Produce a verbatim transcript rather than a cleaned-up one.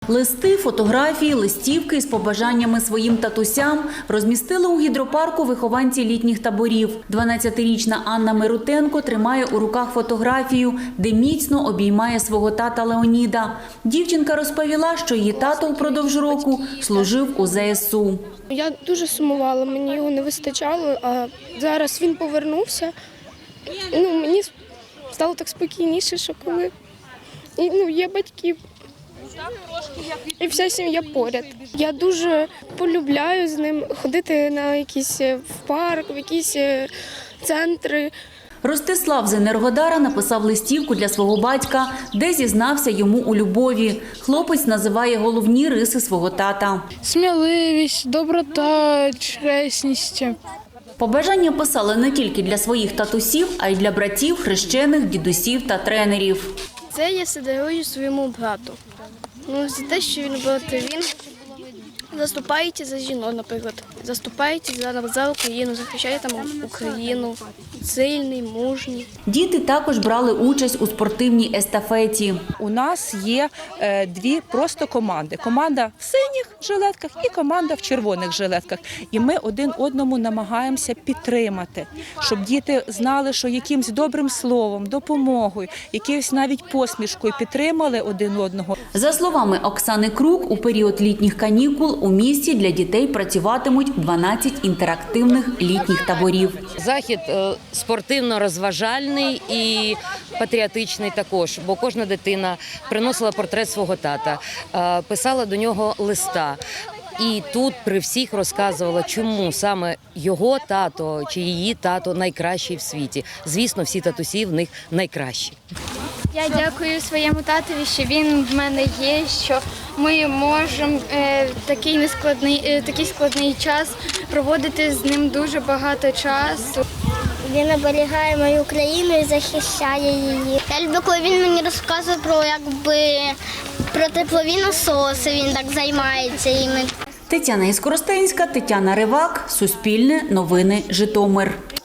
Листи, фотографії, листівки з побажаннями своїм татусям розмістили у гідропарку вихованці літніх таборів. дванадцятирічна Анна Мирутенко тримає у руках фотографію, де міцно обіймає свого тата Леоніда. Дівчинка розповіла, що її тато впродовж року служив у зе ес у. Я дуже сумувала, мені його не вистачало, а зараз він повернувся. Ну, мені стало так спокійніше, що коли і, ну, є батьки. І вся сім'я поряд. Я дуже полюбляю з ним ходити на якісь в парк, в якісь центри. Ростислав з Енергодара написав листівку для свого батька, де зізнався йому у любові. Хлопець називає головні риси свого тата. Сміливість, доброта, чесність. Побажання писали не тільки для своїх татусів, а й для братів, хрещених, дідусів та тренерів. Це я все дарую своєму брату. Ну, за те, що він брати, він заступається за жінок, наприклад. Заступається за, за Україну, захищає там Україну. Сильний, мужній. Діти також брали участь у спортивній естафеті. У нас є е, дві просто команди. Команда в синіх жилетках і команда в червоних жилетках. І ми один одному намагаємося підтримати, щоб діти знали, що якимсь добрим словом, допомогою, якоюсь навіть посмішкою підтримали один одного. За словами Оксани Крук, у період літніх канікул у місті для дітей працюватимуть дванадцять інтерактивних літніх таборів. Захід спортивно-розважальний і патріотичний також, бо кожна дитина приносила портрет свого тата, писала до нього листа. І тут при всіх розказувала, чому саме його тато чи її тато найкращий в світі. Звісно, всі татусі в них найкращі. Я дякую своєму татові, що він в мене є, що ми можемо е, такий нескладний, е, такий складний час проводити з ним дуже багато часу. Він оберігає мою країну і захищає її. Я люблю, коли він мені розказує про якби про теплові насоси. Він так займається іми. Тетяна Іскоростенська, Тетяна Ривак, Суспільне, Новини, Житомир.